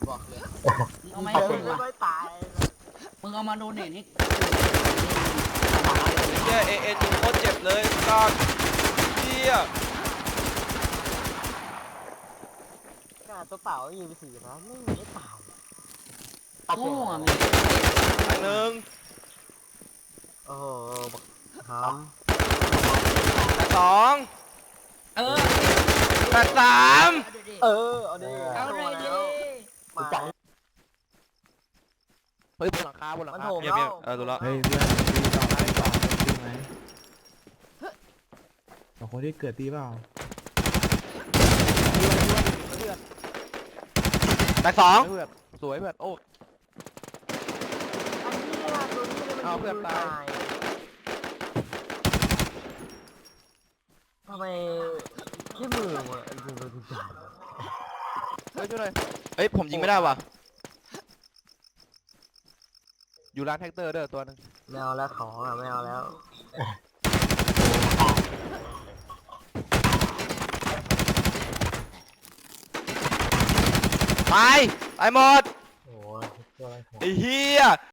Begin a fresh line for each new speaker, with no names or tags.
บอกเลย
เอาไหม
ไม่ตาย
มึงเอามาโดเนทให้
เฮียเอยิงโคตรเจ็บเลยก้อนเฮีย
ตัวเปล่ายิงไป4นะไม่ตาย
โง่อะมึง
อันหนึ่ง
โอ้โหท
แต่สอง
เออ
แต่สาม
ำเอาดิ
เอาเลยดิ
มา
เฮ้ยบนหลังคาบนหลัง
มัน
คา
โถม
เงียบ
แล้
เงียว บดูแล้ว
เฮ้ยเพื่อนตีต่อได้ต่อตีไหมสองคนที่เกิดตีเปล่า
แต่สอง
เพื่อนสวยเพื่อนโอ้
เอาเพื่อนตายทำไมแค่มือวะยิงโดนทุกอย่าง
เฮ้ยช่วยหน่อย
เฮ้ยผมยิงไม่ได้ว่ะ
อยู่ร้านแท็กเตอร์เด้อตัวนึง
ไม่เอาแล้วของอ่ะไม่เอาแล้ว
ตายหมด
โอ้ยตัวอะไรของ
ไอ้เฮีย